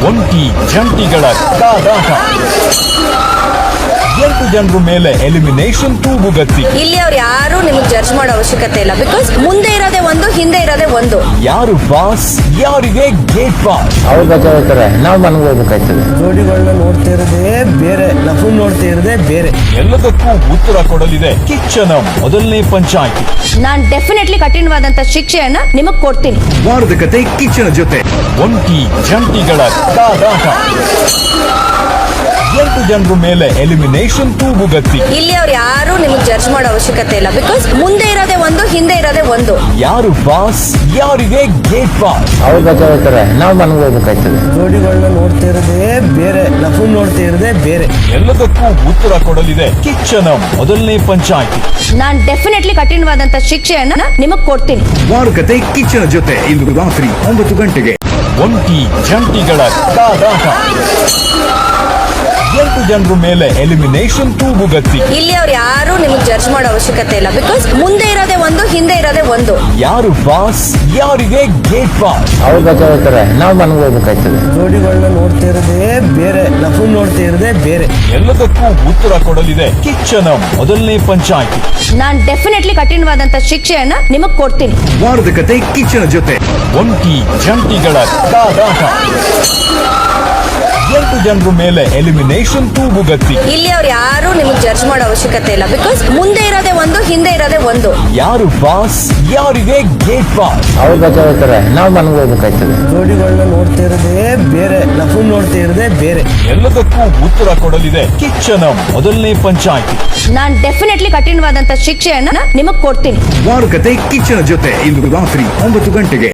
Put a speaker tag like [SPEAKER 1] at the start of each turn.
[SPEAKER 1] ಒಂಟಿ ಜಂಟಿಗಳ ಕಾದಾಟ 8 ಜನರ ಮೇಲೆ ಎಲಿಮಿನೇಷನ್ ತೂಗುಗತ್ತಿ.
[SPEAKER 2] ಇಲ್ಲಿ ಅವ್ರು ಯಾರು ನಿಮಗೆ ಜಡ್ಜ್ ಮಾಡೋ ಅವಶ್ಯಕತೆ ಇಲ್ಲ. ಬಿಕಾಸ್ ಮುಂದೆ ಇರೋದೇ ಒಂದು, ಹಿಂದೆ ಇರೋದೇ ಒಂದು.
[SPEAKER 1] ಯಾರು ಬಾಸ್, ಯಾರಿಗೆ ಗೇಟ್ ಪಾಸ್.
[SPEAKER 3] ಅವ್ರು ಬಚಾವ್ತಾರೆ, ನಾವು ಮನೆಗೆ ಹೋಗ್ಬೇಕಾಯ್ತದೆ.
[SPEAKER 4] ಜೋಡಿಗಳನ್ನ ನೋಡ್ತಾ ಇರೋದೇ ಬೇರೆ, ನಫು ನೋಡ್ತಾ ಇರೋದೇ ಬೇರೆ.
[SPEAKER 1] ಎಲ್ಲದಕ್ಕೂ ಉತ್ತರ ಕೊಡಲಿದೆ ಕಿಚ್ಚನ ಮೊದಲನೇ ಪಂಚಾಯಿತಿ.
[SPEAKER 2] ನಾನ್ ಡೆಫಿನೆಟ್ಲಿ ಕಠಿಣವಾದಂತ ಶಿಕ್ಷೆಯನ್ನ ನಿಮಗ್ ಕೊಡ್ತೀನಿ.
[SPEAKER 1] ವಾರದ ಕತೆ ಕಿಚ್ಚನ ಜೊತೆ ಒಂಟಿ ಜಂಟಿಗಳ ಕಾದಾಟ. 8 ಜನರ ಮೇಲೆ ಎಲಿಮಿನೇಷನ್ ತೂಗುಗತ್ತಿ.
[SPEAKER 2] ಇಲ್ಲಿ ಅವ್ರು ಯಾರು ನಿಮಗೆ ಜಡ್ಜ್ ಮಾಡೋ ಅವಶ್ಯಕತೆ ಇಲ್ಲ. ಬಿಕಾಸ್ ಮುಂದೆ ಇರೋದೇ ಒಂದು, ಹಿಂದೆ ಇರೋದೇ ಒಂದು.
[SPEAKER 1] ಯಾರು ಬಾಸ್, ಯಾರಿಗೆ ಗೇಟ್ ಪಾಸ್.
[SPEAKER 3] ಅವ್ರು ಬಚಾವ್ತಾರೆ, ನಾವು ಮನೆಗೆ ಹೋಗ್ಬೇಕಾಯ್ತದೆ.
[SPEAKER 4] ಜೋಡಿಗಳನ್ನ ನೋಡ್ತಾ ಇರೋದೇ ಬೇರೆ, ನಫು ನೋಡ್ತಾ ಇರೋದೇ ಬೇರೆ.
[SPEAKER 1] ಎಲ್ಲದಕ್ಕೂ ಉತ್ತರ ಕೊಡಲಿದೆ ಕಿಚ್ಚನ ಮೊದಲನೇ ಪಂಚಾಯಿತಿ.
[SPEAKER 2] ನಾನ್ ಡೆಫಿನೆಟ್ಲಿ ಕಠಿಣವಾದಂತ ಶಿಕ್ಷೆಯನ್ನ ನಿಮಗ್ ಕೊಡ್ತೀನಿ.
[SPEAKER 1] ವಾರಕತೆ ಕಿಚ್ಚನ ಜೊತೆ ಇಂದು ರಾತ್ರಿ 9 ಗಂಟೆಗೆ. ಒಂಟಿ ಜಂಟಿಗಳ ಕಾದಾಟ. 8 ಜನರ ಮೇಲೆ ಎಲಿಮಿನೇಷನ್ ತೂಗುಗತ್ತಿ.
[SPEAKER 2] ಇಲ್ಲಿ ಅವ್ರು ಯಾರು ನಿಮಗೆ ಜಡ್ಜ್ ಮಾಡೋ ಅವಶ್ಯಕತೆ ಇಲ್ಲ. ಬಿಕಾಸ್ ಮುಂದೆ ಇರೋದೇ ಒಂದು, ಹಿಂದೆ ಇರೋದೇ ಒಂದು.
[SPEAKER 1] ಯಾರು ಬಾಸ್, ಯಾರಿಗೆ ಗೇಟ್ ಪಾಸ್.
[SPEAKER 3] ಅವ್ರು ಬಚಾವ್ತಾರೆ, ನಾವು ಮನೆಗೆ ಹೋಗ್ಬೇಕಾಯ್ತದೆ.
[SPEAKER 4] ಜೋಡಿಗಳನ್ನ ನೋಡ್ತಾ ಇರೋದೇ ಬೇರೆ, ನಫು ನೋಡ್ತಾ ಇರೋದೇ ಬೇರೆ.
[SPEAKER 1] ಎಲ್ಲದಕ್ಕೂ ಉತ್ತರ ಕೊಡಲಿದೆ ಕಿಚ್ಚನ ಮೊದಲನೇ ಪಂಚಾಯಿತಿ.
[SPEAKER 2] ನಾನ್ ಡೆಫಿನೆಟ್ಲಿ ಕಠಿಣವಾದಂತ ಶಿಕ್ಷೆಯನ್ನ ನಿಮಗ್ ಕೊಡ್ತೀನಿ.
[SPEAKER 1] ವಾರದ ಕತೆ ಕಿಚ್ಚನ ಜೊತೆ ಒಂಟಿ ಜಂಟಿಗಳ ಕಾದಾಟ. 8 ಜನರ ಮೇಲೆ ಎಲಿಮಿನೇಷನ್ ತೂಗುಗತ್ತಿ.
[SPEAKER 2] ಇಲ್ಲಿ ಅವ್ರು ಯಾರು ನಿಮಗೆ ಜಡ್ಜ್ ಮಾಡೋ ಅವಶ್ಯಕತೆ ಇಲ್ಲ. ಬಿಕಾಸ್ ಮುಂದೆ ಇರೋದೇ ಒಂದು, ಹಿಂದೆ ಇರೋದೇ ಒಂದು.
[SPEAKER 1] ಯಾರು ಬಾಸ್, ಯಾರಿಗೆ ಗೇಟ್ ಪಾಸ್.
[SPEAKER 3] ಅವ್ರು ಬಚಾವ್ತಾರೆ, ನಾವು ಮನೆಗೆ ಹೋಗ್ಬೇಕಾಯ್ತದೆ.
[SPEAKER 4] ಜೋಡಿಗಳನ್ನ ನೋಡ್ತಾ ಇರೋದೇ ಬೇರೆ, ನಫು ನೋಡ್ತಾ ಇರೋದೇ ಬೇರೆ.
[SPEAKER 1] ಎಲ್ಲದಕ್ಕೂ ಉತ್ತರ ಕೊಡಲಿದೆ ಕಿಚ್ಚನ ಮೊದಲನೇ ಪಂಚಾಯಿತಿ.
[SPEAKER 2] ನಾನ್ ಡೆಫಿನೆಟ್ಲಿ ಕಠಿಣವಾದಂತ ಶಿಕ್ಷೆಯನ್ನ ನಿಮಗ್ ಕೊಡ್ತೀನಿ.
[SPEAKER 1] ವಾರಕತೆ ಕಿಚ್ಚನ ಜೊತೆ ಇಂದು ರಾತ್ರಿ 9 ಗಂಟೆಗೆ.